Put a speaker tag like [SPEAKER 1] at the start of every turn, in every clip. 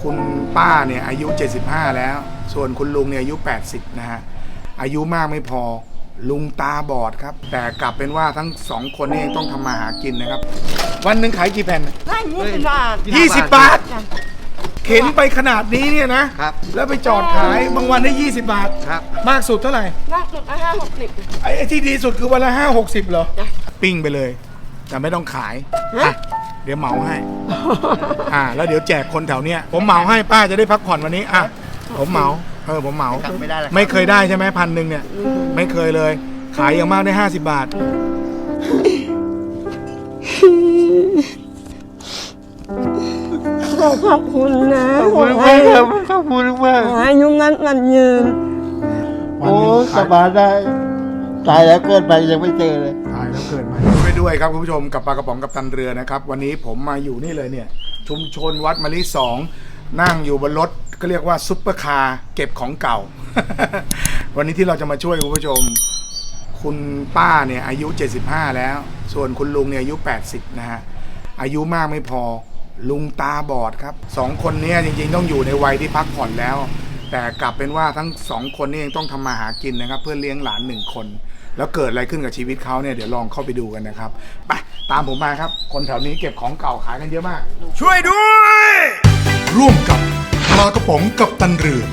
[SPEAKER 1] คุณป้าเนี่ยอายุ 75 แล้วส่วนคุณลุงเนี่ยอายุ 80 นะฮะอายุมากไม่พอลุงตาบอดครับแต่กลับเป็นว่าทั้งสองคนนี่ต้องทำมาหากินนะครับวันหนึ่งขายกี่แผ่น
[SPEAKER 2] ได้20 บาท
[SPEAKER 1] 20 บาทเข็นไปขนาดนี้เนี่ยนะครับแล้วไปจอดขายบางวันได้20 บาท
[SPEAKER 3] ครับ
[SPEAKER 1] มากสุดเท่าไหร่
[SPEAKER 2] มากสุดละ50-60
[SPEAKER 1] ไอ้ที่ดีสุดคือวันละ5-60เหรอ
[SPEAKER 2] จ้ะ
[SPEAKER 1] ปิ้งไปเลยแต่ไม่ต้องขายอ่ะเดี๋ยวเหมาให้แล้วเดี๋ยวแจกคนแถวเนี้ยผมเหมาให้ป้าจะได้พักผ่อนวันนี้อ่ะผมเหมาผมเหมา
[SPEAKER 3] ไม่ได้เลย
[SPEAKER 1] ไม่เคยได้ใช่ไหม1,000เนี่ยไม่เคยเลยขายอย่างมากได้50 บาท
[SPEAKER 2] ขอบคุณนะ
[SPEAKER 3] ขอบคุณมากครับขอบคุณมาก
[SPEAKER 2] ขอให้อายุงั้นมันยืน
[SPEAKER 3] โอ้สบายได้ตายแล้วเกิดไปยังไม่เจอเลย
[SPEAKER 1] ตายแล้วเกิดใหม่ไปด้วยครับคุณผู้ชมกับปลากระป๋องกับตันเรือนะครับวันนี้ผมมาอยู่นี่เลยเนี่ยชุมชนวัดมะลิ2นั่งอยู่บนรถก็เรียกว่าซุปเปอร์คาร์เก็บของเก่า วันนี้ที่เราจะมาช่วยคุณผู้ชมคุณป้าเนี่ยอายุ 75 แล้วส่วนคุณลุงเนี่ยอายุ 80 นะฮะอายุมากไม่พอลุงตาบอดครับสองคนนี้จริงๆต้องอยู่ในวัยที่พักผ่อนแล้วแต่กลับเป็นว่าทั้งสองคนนี้ยังต้องทำมาหากินนะครับเพื่อเลี้ยงหลาน1 คนแล้วเกิดอะไรขึ้นกับชีวิตเขาเนี่ยเดี๋ยวลองเข้าไปดูกันนะครับไปตามผมมาครับคนแถวนี้เก็บของเก่าขายกันเยอะมากช่วยด้วยร่วมกับปลากระป๋องกับตันเรือ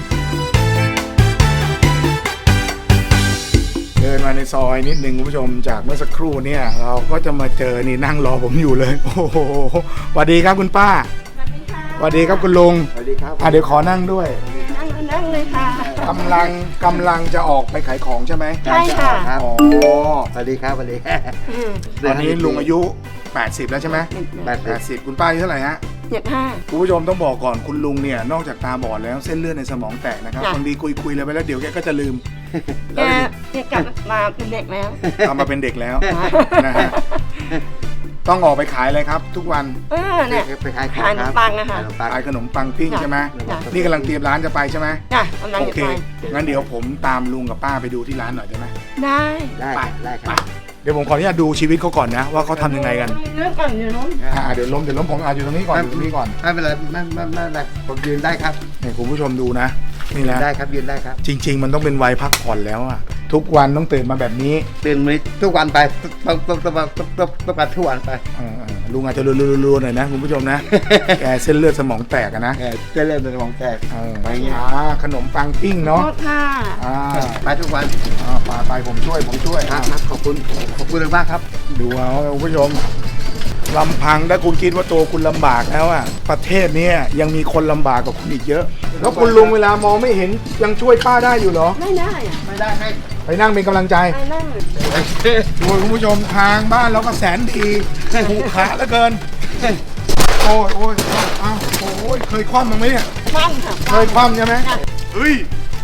[SPEAKER 1] เดินมาในซอยนิดนึงคุณผู้ชมจากเมื่อสักครู่เนี่ยเราก็จะมาเจอนี่นั่งรอผมอยู่เลยโอ้โหสวัสดีครับคุณป้าสวัสดีครับคุณลุง
[SPEAKER 3] สวัสดีครับ
[SPEAKER 1] เดี๋ยวขอนั่งด้วย
[SPEAKER 2] นั่งเลยค่ะ
[SPEAKER 1] กำลังจะออกไปขายของใช่ไหม
[SPEAKER 2] ใช่ค่ะ
[SPEAKER 3] ครับ
[SPEAKER 1] อ๋อ
[SPEAKER 3] สวัสดีครับสวัสดี
[SPEAKER 1] ตอนนี้ลุงอายุ 80 แล้วใช่ไหม 80คุณป้าอายุเท่าไหร่ฮะ
[SPEAKER 2] 75
[SPEAKER 1] คุณผู้ชมต้องบอกก่อนคุณลุงเนี่ยนอกจากตาบอดแล้วเส้นเลือดในสมองแตกนะครับ
[SPEAKER 2] จ้ะ
[SPEAKER 1] บางทีคุยเลยไปแล้วเดี๋ยวแกก็จะลืม
[SPEAKER 2] แกกลับมาเป็นเด็กแล้ว
[SPEAKER 1] ทำมาเป็นเด็กแล้วนะฮะต้องออกไปขายอะไรครับ ทุกวัน
[SPEAKER 2] เนี่ย
[SPEAKER 3] ไปขายของ
[SPEAKER 2] ขายขนมปังอะค่ะ
[SPEAKER 3] ขายขนมปัง
[SPEAKER 1] ขายขนมปังปิ้ง
[SPEAKER 2] จ้ะ
[SPEAKER 1] ใช่ไหม
[SPEAKER 2] จ้ะ
[SPEAKER 1] นี่กำลังเตรียมร้านจะไปใช่ไหม
[SPEAKER 2] จ้ะกำลัง
[SPEAKER 1] โอ
[SPEAKER 2] จะ
[SPEAKER 1] เค
[SPEAKER 2] ไป
[SPEAKER 1] งั้นเดี๋ยวผมตามลุงกับป้าไปดูที่ร้านหน่อยได้ไหม
[SPEAKER 2] ได้
[SPEAKER 3] ได้
[SPEAKER 1] ไป
[SPEAKER 3] ได้ค
[SPEAKER 1] ไป
[SPEAKER 3] รับ
[SPEAKER 1] เดี๋ยวผมขออนุญาตดูชีวิตเขาก่อนนะว่าเขาทำยังไงกัน
[SPEAKER 2] เรื่องก่อนอยู่นู้น
[SPEAKER 1] เดี๋ยวล้มผมอยู่ตรงนี้ก่อนอยู่ตรงนี้ก่อน
[SPEAKER 3] ไม่เป็นไรไม่เป็นไรผมยืนได้ครับ
[SPEAKER 1] เนี่ยคุณผู้ชมดูนะนี่นะ
[SPEAKER 3] ได้ครับยืนได้ครับ
[SPEAKER 1] จริง ๆ มันต้องเป็นวัยพักผ่อนแล้วอะทุกวันต้องตื่นมาแบบนี้
[SPEAKER 3] ตื่นมาทุกวันไปต้องการทุกวันไป
[SPEAKER 1] ลุงอาจจะรัวๆหน่อยนะคุณผู้ชมนะ แกเส้นเลือดสมองแตกอะนะ
[SPEAKER 3] จะเริ่มเป็นของแตก
[SPEAKER 1] ไปขนมปังปิ้ง
[SPEAKER 2] โท
[SPEAKER 1] เนาะ
[SPEAKER 2] ษค่ะ
[SPEAKER 3] ไปทุกวัน
[SPEAKER 1] ไปผมช่วย
[SPEAKER 3] ครับขอบคุณมากครับ
[SPEAKER 1] ดูเอาคุณผู้ชมลำพังถ้าคุณคิดว่าตัวคุณลำบากแล้วอะประเทศนี้ยังมีคนลำบากกว่าคุณอีกเยอะ แล้วคุณลุงเวลามองไม่เห็นยังช่วยป้าได้อยู่เหรอ
[SPEAKER 2] ไม่ได้อะ
[SPEAKER 3] ไม่ได้ให้
[SPEAKER 1] ไปนั่งเป็นกำลังใจ
[SPEAKER 2] ไปนั่ง
[SPEAKER 1] โอ้ยคุณผู้ชมทางบ้านเราก็แสนดีถูกขาเหลือเกินโอ้ยเคยคว่ำมั้งไหมเนี่ย
[SPEAKER 2] นั่งค่ะ
[SPEAKER 1] เคยคว่ำใช่ไหมเฮ้ย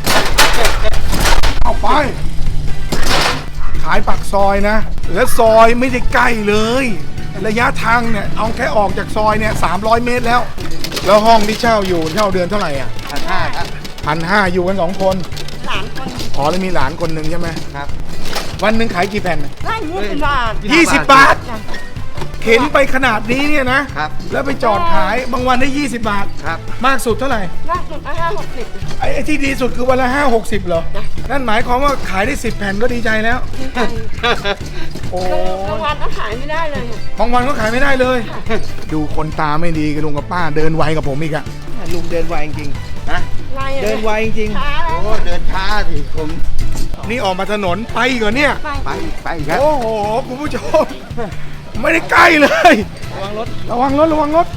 [SPEAKER 1] เอาไปขายปากซอยนะและซอยไม่ได้ใกล้เลยระยะทางเนี่ยเอาแค่ออกจากซอยเนี่ย300 เมตรแล้วห้องที่เช่าอยู่เช่าเดือนเท่าไหร่อ่ะ
[SPEAKER 3] 1,500ครับ
[SPEAKER 1] 1,500อยู่กัน2 คน
[SPEAKER 2] หลานคน
[SPEAKER 1] อ๋อแล้วมีหลานคนหนึ่งใช่ไหม
[SPEAKER 3] ครับ
[SPEAKER 1] วันหนึ่งขายกี่แผ่น
[SPEAKER 2] ได้20 บาท
[SPEAKER 1] 20 บาท
[SPEAKER 2] จ้ะ
[SPEAKER 1] เข็นไปขนาดนี้เนี่ยนะครับ แล้วไปจอดขายบางวันได้ 20 บาท
[SPEAKER 3] ครับ
[SPEAKER 1] มากสุดเท่าไหร่
[SPEAKER 2] มากสุดละ50-60
[SPEAKER 1] ไอ้ที่ดีสุดคือวันละ5-60เหรอ
[SPEAKER 2] จ้ะ
[SPEAKER 1] นั่นหมายความว่าขายได้10 แผ่นก็ดีใจแล้ว โอ้
[SPEAKER 2] บางวันก็ขายไม่ได้เลยอะ
[SPEAKER 1] บางวันก็ขายไม่ได้เลย ดูคนตาไม่ดีกับลุงกับป้าเดินไวกับผมอีกอะ
[SPEAKER 3] ลุงเดินไวจริงๆนะ
[SPEAKER 2] ไรอะ
[SPEAKER 3] เดินไวจริง
[SPEAKER 2] ช้าแล้ว
[SPEAKER 3] โอ้เดินช้าสิผม
[SPEAKER 1] นี่ออกมาถนนไปเหรอเนี่ย
[SPEAKER 3] ไปครับ
[SPEAKER 1] โอ้โหคุณผู้ชม ไม่ได้ใกล้เลย ระวังรถระวังรถ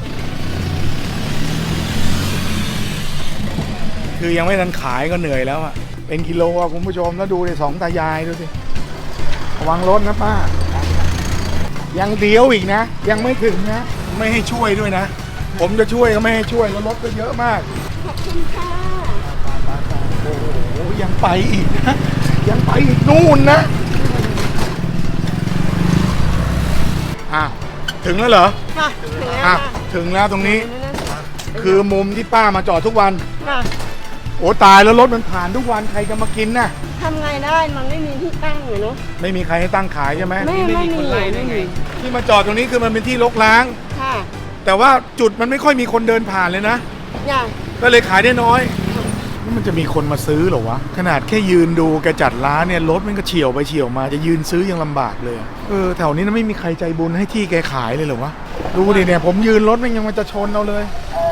[SPEAKER 1] คือยังไม่ทันขายก็เหนื่อยแล้วอะเป็นกิโลอะคุณผู้ชมแล้วดูดิสองตายายดูสิระวังรถนะป้ายังเดียวอีกนะ ยังไม่ถึงนะ ไม่ให้ช่วยด้วยนะ ผมจะช่วยก็ไม่ให้ช่วยแล้วรถก็เยอะมาก
[SPEAKER 2] ขอบคุณค่ะ
[SPEAKER 1] โอ้โหยังไปอีกนะยังไปอีกนู่นนะถึงแล้วเหรอ
[SPEAKER 2] ค่ะถึงแล้ว
[SPEAKER 1] อ่ะ
[SPEAKER 2] ค่ะ
[SPEAKER 1] ถึงแล้วตรงนี้ คือมุมที่ป้ามาจอดทุกวัน
[SPEAKER 2] ค่ะ
[SPEAKER 1] โอ้ตายแล้วรถมันผ่านทุกวันใครจะมากินน่ะ
[SPEAKER 2] ทำไงได้มันไม่มีที่ตั้งเลยเนาะ
[SPEAKER 1] ไม่มีใครให้ตั้งขายใช่ไหม
[SPEAKER 2] ไม่มีไม่มี
[SPEAKER 1] ที่มาจอดตรงนี้คือมันเป็นที่รกร้าง
[SPEAKER 2] ค่ะ
[SPEAKER 1] แต่ว่าจุดมันไม่ค่อยมีคนเดินผ่านเลยนะ
[SPEAKER 2] จ้ะ
[SPEAKER 1] ก็เลยขายได้น้อยนี่มันจะมีคนมาซื้อเหรอวะขนาดแค่ยืนดูแกจัดร้านเนี่ยรถมันก็เฉี่ยวไปเฉี่ยวมาจะยืนซื้อยังลำบากเลยแถวนี้นะไม่มีใครใจบุญให้ที่แกขายเลยเหรอวะดูดิเนี่ยผมยืนรถมันยังมันจะชนเอาเลย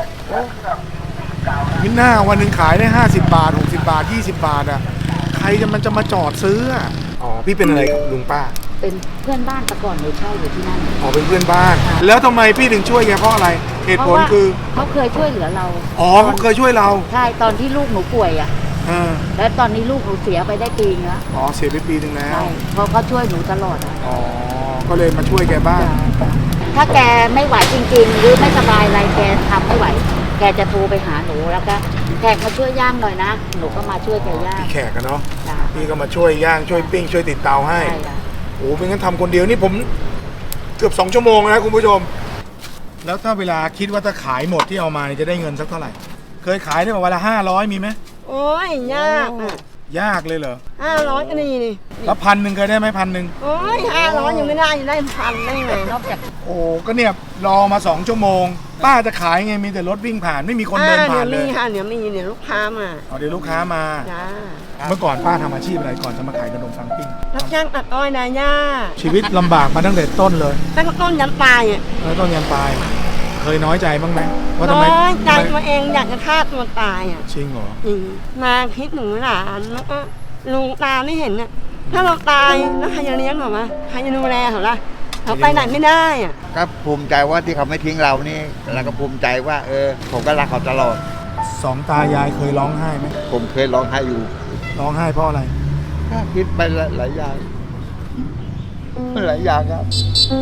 [SPEAKER 1] มิน่าวันหนึ่งขายได้50 บาท60 บาท20 บาทอ่ะใครมันจะมาจอดซื้ออ่ะอ๋อพี่เป็นอะไรกับลุงป้า
[SPEAKER 4] เป็นเพื่อนบ้านแต่ก่อนหนูเช่าอยู่ที่นั่น
[SPEAKER 1] อ๋อเป็นเพื่อนบ้าน แล้วทำไมพี่ถึงช่วยแกเพราะอะไรเหตุผลคือ
[SPEAKER 4] เขาเคยช่วยเหลือเรา
[SPEAKER 1] อ๋อเขาเคยช่วยเรา
[SPEAKER 4] ใช่ตอนที่ลูกหนูป่วยอ่ะ แล้วตอนนี้ลูกหนูเสียไปได้ปีนึงแล้ว
[SPEAKER 1] อ๋อเสียไปปีนึงแล้ว
[SPEAKER 4] ใช่เพราะเขาช่วยหนูตลอดอะ
[SPEAKER 1] อ๋อก็เลยมาช่วยแกบ้าง
[SPEAKER 4] ถ้าแกไม่ไหวจริงๆหรือไม่สบายอะไรแกทำไม่ไหว แกจะโทรไปหาหนูแล้วก็แขกมาช่วยย่างหน่อยนะหนูก็มาช่วยแกย่าง
[SPEAKER 1] พี่แขกกันเนาะ
[SPEAKER 4] จ้ะ
[SPEAKER 1] พี่ก็มาช่วยย่างช่วยปิ้งช่วยติดเตาให้
[SPEAKER 4] ใช่จ้ะ
[SPEAKER 1] โอ้เป็นงั้นทำคนเดียวนี่ผมเกือบ2 ชั่วโมงนะคุณผู้ชม แล้วถ้าเวลาคิดว่าถ้าขายหมดที่เอามาเนี่ยจะได้เงินสักเท่าไหร่ เคยขายได้แบบวันละ500มีไหม
[SPEAKER 2] โอ้ยยากอ่ะ
[SPEAKER 1] ยากเลยเหรอ
[SPEAKER 2] 500ก็นี่นี่
[SPEAKER 1] แล้ว1,000เคยได้ไหม1,000
[SPEAKER 2] โอ้ย500ยังไม่ได้ยังได้1,000ได้ไง
[SPEAKER 4] นอกจาก
[SPEAKER 1] โอ้ก็เนี่ยรอมา2 ชั่วโมง ป้าจะขายไงมีแต่รถวิ่งผ่านไม่มีคนเดินผ่านเลย
[SPEAKER 2] มีค่ะเดี๋ยวมีเดี๋ยวลูกค้ามา
[SPEAKER 1] อ๋อเดี๋ยวลูกค้ามา
[SPEAKER 2] จ้า
[SPEAKER 1] เมื่อก่อนป้าทำอาชีพอะไรก่อนจะมาขายขนมปังปิ้ง
[SPEAKER 2] รับจ้างตัดอ้อยนาย่า
[SPEAKER 1] ชีวิตลำบากมาตั้งแต่ต้นเลย
[SPEAKER 2] ตั้งแต่ต้นยันปลายอ่ะ
[SPEAKER 1] แล้วต้นยันปลาย เคยน้อยใจบ้างไหมว่าทำ
[SPEAKER 2] น้
[SPEAKER 1] ไม
[SPEAKER 2] อยใจ
[SPEAKER 1] ทำไม
[SPEAKER 2] ตัวเองอยากจะฆ่าตัวตายอ่ะ
[SPEAKER 1] จริงเหรอ
[SPEAKER 2] จริงมาคิดหนูหลานแล้วก็ลุงตาไม่เห็นน่ะถ้าเราตายแล้วใครจะเลี้ยงเขาวะใครจะดูแลเขาล่ะเขาไปไหนไม่ได้อ่ะ
[SPEAKER 3] ก็ภูมิใจว่าที่เขาไม่ทิ้งเรานี่แล้วก็ภูมิใจว่าผมก็รักเขาตลอด
[SPEAKER 1] สองตายายเคยร้องไห้ไหม
[SPEAKER 3] ผมเคยร้องไห้อยู่
[SPEAKER 1] ร้องไห้เพราะอะไร
[SPEAKER 3] ก็คิดไปหลายอย่างหลายอย่างครับ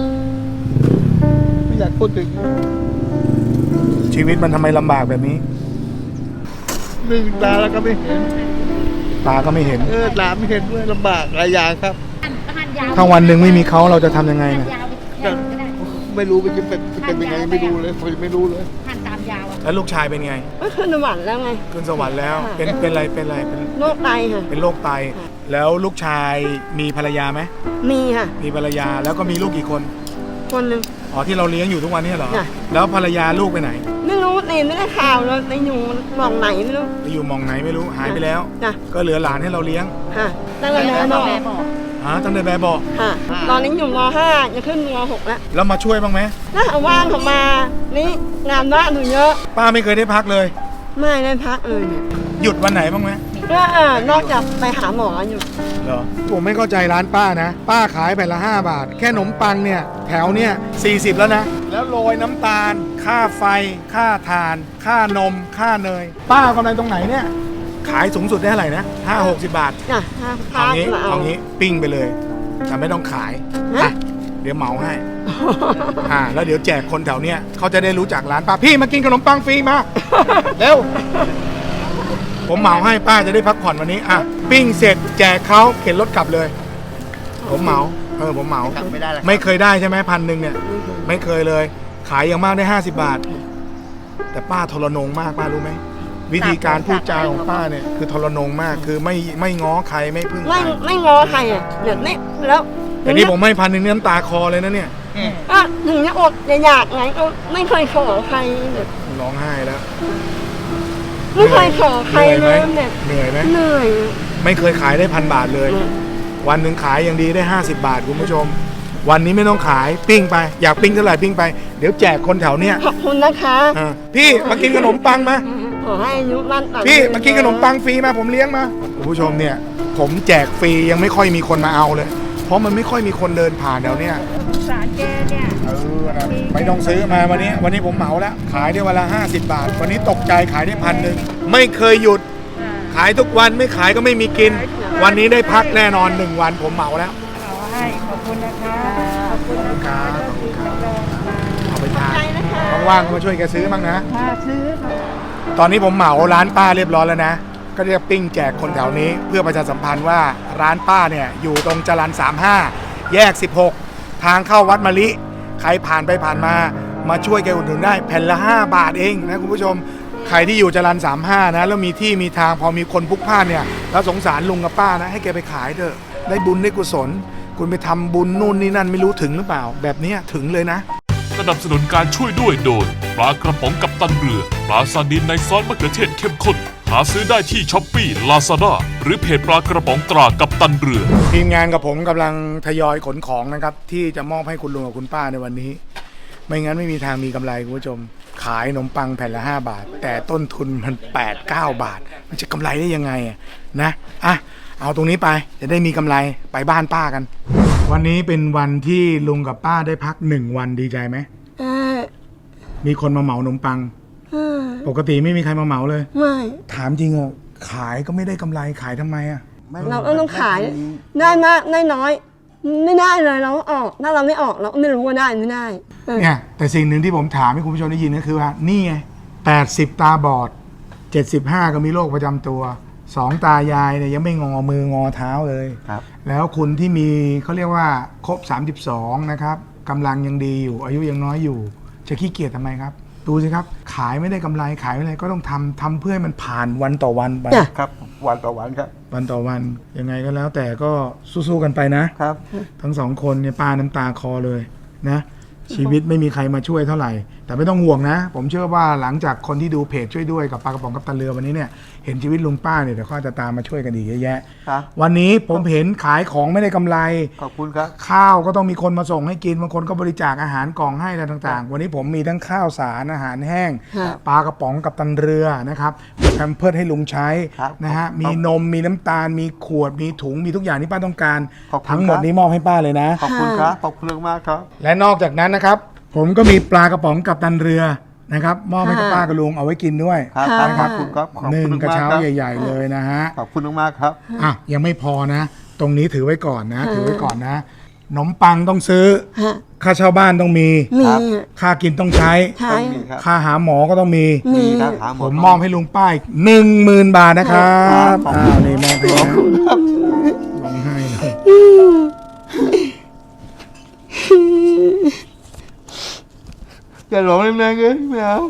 [SPEAKER 3] ไม่อยากพูดถึง
[SPEAKER 1] ชีวิตมันทำไมลำบากแบบนี้
[SPEAKER 3] หนึ่งตาแล้วก็ไม่เห็น
[SPEAKER 1] ตาก็ไม่เห็น
[SPEAKER 3] ตาไม่เห็นด้วยลำบากหลายอย่างครับ
[SPEAKER 1] ถ้าวันหนึ่งไม่มีเขาเราจะทำยังไงเนี่ย
[SPEAKER 4] ยาวไปก็ได้
[SPEAKER 3] ไม่รู้จะเป็นยังไงไม่รู้เลยผมยังไม่รู้เลย
[SPEAKER 4] หั่นตามยาวอะ
[SPEAKER 1] แล้วลูกชายเป็นไง
[SPEAKER 2] ก็ขึ้นสวรรค์แล้วไง
[SPEAKER 1] ขึ้นสวรรค์แล้ว เป็นอะไรเป็น
[SPEAKER 2] โรคไตค่ะ
[SPEAKER 1] เป็นโรคไต แล้วลูกชายมีภรรยาไหม
[SPEAKER 2] มีค่ะ
[SPEAKER 1] มีภรรยาแล้วก็มีลูกกี่คน
[SPEAKER 2] คนหนึ่ง
[SPEAKER 1] อ๋อที่เราเลี้ยงอยู่ทุกวันนี้เหรอ
[SPEAKER 2] จ้ะ
[SPEAKER 1] แล้วภรรยาลูกไปไหน
[SPEAKER 2] ไม่รู้ตีไม่ได้ข่าวเลยไปอยู่หมองไหนไม่รู้
[SPEAKER 1] ไปอยู่หมองไหนไม่รู้หายไปแล้ว
[SPEAKER 2] จ้ะ
[SPEAKER 1] ก็เหลือหลานให้เราเลี้ยง
[SPEAKER 2] ค่ะตั้งแต่ม
[SPEAKER 4] แล้ว
[SPEAKER 2] ห
[SPEAKER 4] ก็
[SPEAKER 2] ก
[SPEAKER 4] แม่บอก
[SPEAKER 1] ตั้งแต่แบบบอก
[SPEAKER 2] ค่ะ ตอนนี้อยู่มห้าจะขึ้นมหกแล้ว
[SPEAKER 1] แล้วมาช่วยบ้างไหม
[SPEAKER 2] ถ้าเอาว่างเขามา นี่งานบ้านหนูเยอะ
[SPEAKER 1] ป้าไม่เคยได้พักเลย
[SPEAKER 2] ไม่ได้พักเลยเนี่ย
[SPEAKER 1] หยุดวันไหนบ้างไหม
[SPEAKER 2] ก็นอกจากไปหาหมออยู่
[SPEAKER 1] เหรอผมไม่เข้าใจร้านป้านะ ป้าขายแผ่นละ5 บาท แค่ขนมปังเนี่ยแถวเนี่ย40แล้วนะ แล้วโรยน้ำตาล ค่าไฟ ค่าถ่าน ค่านม ค่าเนย ป้ากำไรตรงไหนเนี่ย ขายสูงสุดได้เท่าไหร่นะ50-60 บาท
[SPEAKER 2] จ้ะถ้า
[SPEAKER 1] เอางี้
[SPEAKER 2] มาเอา
[SPEAKER 1] เอางี้ปิ้งไปเลยแต่ไม่ต้องขาย
[SPEAKER 2] ฮะ
[SPEAKER 1] อ่ะเดี๋ยวเหมาให้ แล้วเดี๋ยวแจกคนแถวเนี้ยเขาจะได้รู้จักร้านป้าพี่มากินขนมปังฟรีมา เร็ว ผมเหมาให้ป้าจะได้พักผ่อนวันนี้อ่ะปิ้งเสร็จแจกเขาเข็นรถกลับเลย ผมเหมาผมเหมา
[SPEAKER 3] ไม่ได้เลย
[SPEAKER 1] ไม่เคยได้ใช่ไหม1,000เนี่ยไม่เคยเลย ขายอย่างมากได้50 บาท แต่ป้าทรนงมากป้ารู้ไหมวิธีการพูดจาของป้าเนี่ยคือทรนงมากคือไม่ง้อใครไม่พึ่งใค
[SPEAKER 2] ไม่
[SPEAKER 1] ร
[SPEAKER 2] ไม่งอใครอ่ะเดี๋ยวนี้แล้ว
[SPEAKER 1] แต่นี่ผมให้1,000เนี่ยน้ำตาคอเลยนะเนี่ย
[SPEAKER 2] ก็ถึงจะอดจะอยากไงก็ไม่เคยขอใครเนี่ย
[SPEAKER 1] ร้องไห้แล้ว
[SPEAKER 2] ไม่เคยขอใคร
[SPEAKER 1] เหนื่อย
[SPEAKER 2] เล
[SPEAKER 1] ไหม
[SPEAKER 2] ยเนี่ย
[SPEAKER 1] เหนื่อยไหม
[SPEAKER 2] เหนื่อย
[SPEAKER 1] ไม่เคยขายได้1,000 บาทเลย วันหนึ่งขายอย่างดีได้50 บาทคุณผู้ชม วันนี้ไม่ต้องขายปิ้งไปอยากปิ้งเท่าไหร่ปิ้งไปเดี๋ยวแจกคนแถวเนี้ย
[SPEAKER 2] ขอบคุณนะคะ
[SPEAKER 1] พี่มากินขนมปังมา
[SPEAKER 2] ขอให้อายุมั่นขวัญ
[SPEAKER 1] พี่มากินขนมปังฟรีมาผมเลี้ยงมาคุณผู้ชมเนี่ย ผมแจกฟรียังไม่ค่อยมีคนมาเอาเลย เพราะมันไม่ค่อยมีคนเดินผ่านแถวเนี้ย
[SPEAKER 4] สารแกเนี่ย
[SPEAKER 1] นะไม่ต้องซื้อมาวันนี้ผมเหมาแล้วขายได้วันละ50 บาท วันนี้ตกใจขายได้1,000ไม่เคยหยุด ขายทุกวันไม่ขายก็ไม่มีกิน วันนี้ได้พักแน่นอน1 วันผมเหมาแล้ว
[SPEAKER 4] ขอให้ขอบคุณนะคะขอบคุณ
[SPEAKER 1] ครับขอบคุณครับเอาไปทาน
[SPEAKER 2] ใจนะคะ
[SPEAKER 1] ว่างๆก็มาช่วยแกซื้อบ้างนะ
[SPEAKER 4] ค่ะซื้อค่ะ
[SPEAKER 1] ตอนนี้ผมเหมาร้านป้าเรียบร้อยแล้วนะ ก็จะปิ้งแจกคนแถวนี้เพื่อประชาสัมพันธ์ว่าร้านป้าเนี่ยอยู่ตรงจรัญ35 แยก 16 ทางเข้าวัดมะลิ ใครผ่านไปผ่านมาช่วยแกอุดหนุนได้แผ่นละ5 บาทเองนะคุณผู้ชม ใครที่อยู่จรัญ35นะแล้วมีที่มีทางพอมีคนพลุกพล่านเนี่ยแล้วสงสารลุงกับป้านะให้แกไปขายเถอะได้บุญได้กุศล คุณไปทำบุญนู่นนี่นั่นไม่รู้ถึงหรือเปล่า แบบเนี้ยถึงเลยนะ
[SPEAKER 5] สนับสนุนการช่วยด้วยโดยปลากระป๋องกัปตันเรือปลาซาดินในซอสมะเขือเทศเข้มข้นหาซื้อได้ที่ช้อปปี้ Lazada หรือเพจปลากระป๋องตรากัปตันเรือ
[SPEAKER 1] ทีมงานกับผมกำลังทยอยขนของนะครับที่จะมอบให้คุณลุงกับคุณป้าในวันนี้ ไม่งั้นไม่มีทางมีกำไรคุณผู้ชมขายขนมปังแผ่นละ5 บาท แต่ต้นทุนมัน8-9 บาท มันจะกำไรได้ยังไงนะเอาตรงนี้ไปจะได้มีกำไรไปบ้านป้ากัน วันนี้เป็นวันที่ลุงกับป้าได้พัก1 วันดีใจไหมมีคนมาเหมาขนมปังปกติไม่มีใครมาเหมาเลย
[SPEAKER 2] ไม่
[SPEAKER 1] ถามจริงอะขายก็ไม่ได้กำไรขายทำไมอะ
[SPEAKER 2] เราก็ต้องขายได้มากได้น้อย ไม่ได้เลยเราออกถ้าเราไม่ออกเราก็ไม่รู้ว่าได้ไม่ได้
[SPEAKER 1] เนี่ยแต่สิ่งหนึ่งที่ผมถามให้คุณผู้ชมได้ยินก็คือว่านี่ไง80 ตาบอด 75 ก็มีโรคประจำตัว 2 ตายายเนี่ยยังไม่งอมืองอเท้าเลย
[SPEAKER 3] ครับ
[SPEAKER 1] แล้วคุณที่มีเขาเรียกว่าครบ32นะครับกำลังยังดีอยู่อายุยังน้อยอยู่ จะขี้เกียจทำไมครับดูสิครับขายไม่ได้กำไรขายไม่ได้ก็ต้องทำเพื่อให้มันผ่านวันต่อวันไป
[SPEAKER 2] จ้ะ
[SPEAKER 3] ครับวันต่อวันครับ
[SPEAKER 1] วันต่อวันยังไงก็แล้วแต่ก็สู้ๆกันไปนะ
[SPEAKER 3] ครับ
[SPEAKER 1] ทั้งสองคนเนี่ยป้าน้ำตาคอเลยนะ ชีวิตไม่มีใครมาช่วยเท่าไหร่ แต่ไม่ต้องห่วงนะ ผมเชื่อว่าหลังจากคนที่ดูเพจช่วยด้วยกับปลากระป๋องกัปตันเรือวันนี้เนี่ยเห็นชีวิตลุงป้าเนี่ยเดี๋ยวเขาจะตามมาช่วยกันอีกเยอะแยะ
[SPEAKER 3] ครับ
[SPEAKER 1] วันนี้ผมเห็นขายของไม่ได้กำไร
[SPEAKER 3] ขอบคุณครับ
[SPEAKER 1] ข้าวก็ต้องมีคนมาส่งให้กินบางคนก็บริจาคอาหารกล่องให้อะไรต่างๆ วันนี้ผมมีทั้งข้าวสารอาหารแห้ง
[SPEAKER 2] ครับ
[SPEAKER 1] ปลากระป๋องกัปตันเรือนะครับมีแพมเพิร์สให้ลุงใช้
[SPEAKER 3] ครับ
[SPEAKER 1] นะฮะมีนมมีน้ำตาลมีขวดมีถุงมีทุกอย่างที่ป้าต้องการ
[SPEAKER 3] ขอบคุณ
[SPEAKER 1] ทั้งหมด
[SPEAKER 3] ครับ
[SPEAKER 1] นี้มอบให้ป้าเลยนะ
[SPEAKER 3] ขอบคุณครับ ขอบคุณมากครับ
[SPEAKER 1] และนอกจากนั้นนะครับ ผมก็มีปลากระป๋องกัปตันเรือนะครับมอบให้กับป้ากับลุงเอาไว้กินด้วย
[SPEAKER 3] ครับ
[SPEAKER 2] ค่ะ
[SPEAKER 3] ขอบคุณครับขอบ
[SPEAKER 1] หนึ่ง
[SPEAKER 3] คุณ
[SPEAKER 1] กระ
[SPEAKER 3] มาก
[SPEAKER 1] เช้า
[SPEAKER 3] ครับ
[SPEAKER 1] ใหญ่ ๆ เลยนะฮะ
[SPEAKER 3] ขอบคุณมากครับ
[SPEAKER 1] อ่ะยังไม่พอนะ ตรงนี้ถือไว้ก่อนนะ ถือไว้ก่อนนะขนมปังต้องซื้อ
[SPEAKER 2] ฮะ
[SPEAKER 1] ค่าเช่าบ้านต้องมี
[SPEAKER 2] มี
[SPEAKER 3] ครับ
[SPEAKER 1] ค่ากินต้องใช้
[SPEAKER 2] ใช่
[SPEAKER 3] มีครับ
[SPEAKER 1] ค่าหาหมอก็ต้องมี
[SPEAKER 2] มี
[SPEAKER 3] ครับหาห
[SPEAKER 1] ผมมอบให้ลุงป้าย10,000 บาทนะครับ
[SPEAKER 3] ครับ
[SPEAKER 1] อ้าวนี่มอบให้
[SPEAKER 3] ขอบ
[SPEAKER 1] นะ
[SPEAKER 3] คุณครับ
[SPEAKER 1] ร้องไห้เลย
[SPEAKER 3] อย่าร้องแรงๆเลยไม่เอา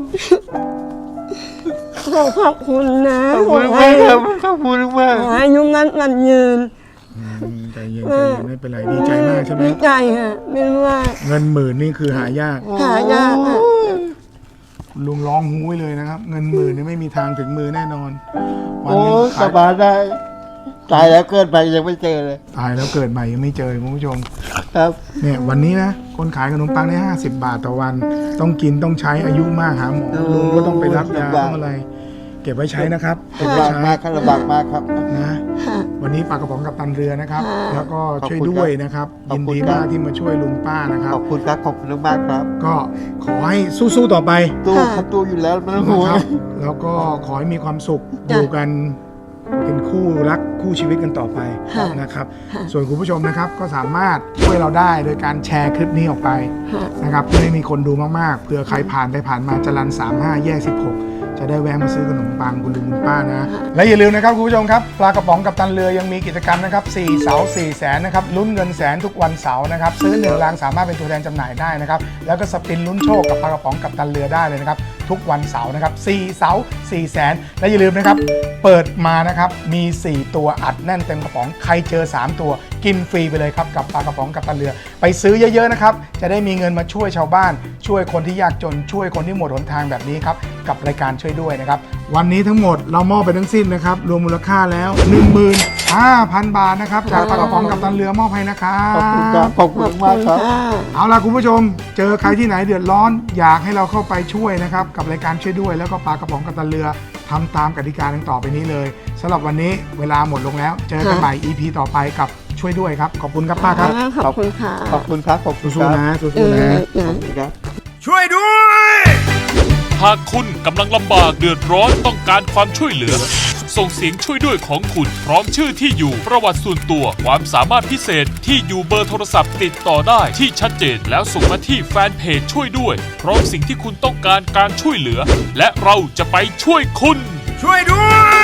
[SPEAKER 2] ขอบคุณนะ
[SPEAKER 3] ขอบคุณมากครับขอบคุณมาก
[SPEAKER 2] ขอให้ยุ่งนั้นมันยืน
[SPEAKER 1] ใจเย็นใจเย็นไม่เป็นไรดีใจมากใช่ไหม
[SPEAKER 2] ดีใจฮะไม่รู้ว่า
[SPEAKER 1] เงิน10,000นี่คือหายาก
[SPEAKER 2] หายากอะ
[SPEAKER 1] ลุงร้องหู้ยเลยนะครับ เงิน10,000นี่ไม่มีทางถึงมือแน่นอนวัน
[SPEAKER 3] โอ้
[SPEAKER 1] หนึง
[SPEAKER 3] ส
[SPEAKER 1] ขาย
[SPEAKER 3] บายได้ตายแล้วเกิดไปยังไม่เจอเลย
[SPEAKER 1] ตายแล้วเกิดใหม่ยังไม่เจอคุณผู้ชม
[SPEAKER 3] ครับ
[SPEAKER 1] เนี่ยวันนี้นะคนขายขนมปังได้50 บาทต่อวัน ต้องกินต้องใช้อายุมากหาหมอลุงก็ต้องไปรับยาต้องอะไร เก็บไว้ใช้นะครับเก็บไว้
[SPEAKER 3] ลำบาก
[SPEAKER 1] ใช้
[SPEAKER 3] มากครับลำบากมากครับ
[SPEAKER 1] นะ
[SPEAKER 2] ฮะ
[SPEAKER 1] วันนี้ปลากระป๋องกับตันเรือนะครับ แล้วก็
[SPEAKER 3] ขอบ
[SPEAKER 1] ช่วย
[SPEAKER 3] คุณ
[SPEAKER 1] ด้วยนะครับ
[SPEAKER 3] ขอบ
[SPEAKER 1] ยิน
[SPEAKER 3] คุณ
[SPEAKER 1] ดี
[SPEAKER 3] ครับ
[SPEAKER 1] มากที่มาช่วยลุงป้านะครับ
[SPEAKER 3] ขอบคุณครับ ขอบคุณมากครับ
[SPEAKER 1] ก็ขอให้สู้ๆต่อไป
[SPEAKER 3] ตู้ครับตู้อยู่แล้วไม่ต้อง
[SPEAKER 1] นะ
[SPEAKER 3] ห่วง
[SPEAKER 1] ครับแล้วก็ขอให้มีความสุขอยู่กันเป็นคู่รักคู่ชีวิตกันต่อไปนะครับ ส่วนคุณผู้ชมนะครับก็สามารถช่วยเราได้โดยการแชร์คลิปนี้ออกไปนะครับเพื่อให้มีคนดูมากๆเผื่อใครผ่านไปผ่านมาจรัญ35 แยก 16 จะได้แวะมาซื้อขนมปังคุณลุงคุณป้านะ และอย่าลืมนะครับคุณผู้ชมครับปลากระป๋องกับตันเรือยังมีกิจกรรมนะครับ4เสา4แสนนะครับลุ้นเงินแสนทุกวันเสาร์นะครับซื้อ1ลังสามารถเป็นตัวแทนจำหน่ายได้นะครับแล้วก็สปินลุ้นโชคกับปลากระป๋องกับตันเรือได้เลยนะครับทุกวันเสาร์นะครับ4เสา4แสนและอย่าลืมนะครับเปิดมานะครับมี4ตัวอัดแน่นเต็มกระป๋องใครเจอ3ตัวกินฟรีไปเลยครับกับปลากระป๋องกับตันเรือไปซื้อเยอะๆนะครับจะได้มีเงินมาช่วยชาวบ้านช่วยคนที่ยากจนช่วยคนที่หมดหนทางแบบนี้ครับกับรายการช่วยด้วยนะครับวันนี้ทั้งหมดเรามอบไปทั้งสิ้นนะครับรวมมูลค่าแล้ว 15,000 บาทนะครับจากปลากระป๋องกับตันเรือมอบให้นะครับ
[SPEAKER 3] ขอบคุณครับ ขอบคุณมากครับ
[SPEAKER 1] เอาล่ะคุณผู้ชมเจอใครที่ไหนเดือดร้อนอยากให้เราเข้าไปช่วยนะครับกับรายการช่วยด้วยแล้วก็ปลากระป๋องกับตันเรือทำตามกติกาดังต่อไปนี้เลยสำหรับวันนี้เวลาหมดลงแล้วเจอกันใหม่ EP ต่อไปกับช่วยด้วยครับขอบคุณครับป้าครับ
[SPEAKER 2] ขอบคุณค่ะ
[SPEAKER 3] ขอบคุณครับ ขอบคุณ
[SPEAKER 1] สู้
[SPEAKER 3] ค
[SPEAKER 1] ๆ
[SPEAKER 3] รับ
[SPEAKER 1] นะสู้
[SPEAKER 2] เอ
[SPEAKER 1] ๆ
[SPEAKER 2] อ
[SPEAKER 1] นะ
[SPEAKER 2] เออ
[SPEAKER 3] ครับ
[SPEAKER 1] ช่วยด้วย
[SPEAKER 5] หากคุณกำลังลำบากเดือดร้อนต้องการความช่วยเหลือ ส่งเสียงช่วยด้วยของคุณพร้อมชื่อที่อยู่ประวัติส่วนตัวความสามารถพิเศษที่อยู่เบอร์โทรศัพท์ติดต่อได้ที่ชัดเจนแล้วส่งมาที่แฟนเพจช่วยด้วยพร้อมสิ่งที่คุณต้องการการช่วยเหลือ และเราจะไปช่วยคุณ
[SPEAKER 1] ช่วยด้วย